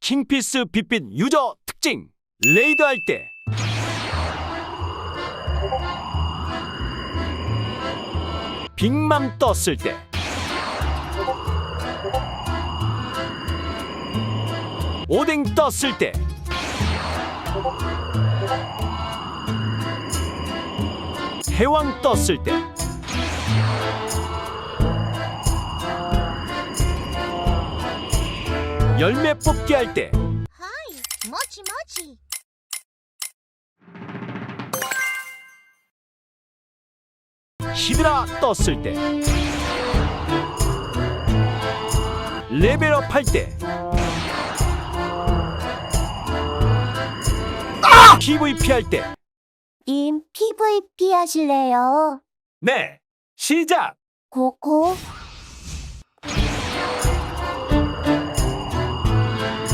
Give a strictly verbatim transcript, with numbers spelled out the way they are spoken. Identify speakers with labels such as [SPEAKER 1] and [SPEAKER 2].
[SPEAKER 1] 킹피스 빛빛 유저 특징. 레이드할 때 빅맘 떴을 때 오뎅 떴을 때 해왕 떴을 때 열매 뽑기 할 때
[SPEAKER 2] 하이, 모치 모치.
[SPEAKER 1] 히드라 떴을 때 레벨업 할 때 피브이피 할 때
[SPEAKER 2] 님 피브이피 하실래요?
[SPEAKER 1] 네, 시작!
[SPEAKER 2] 고고.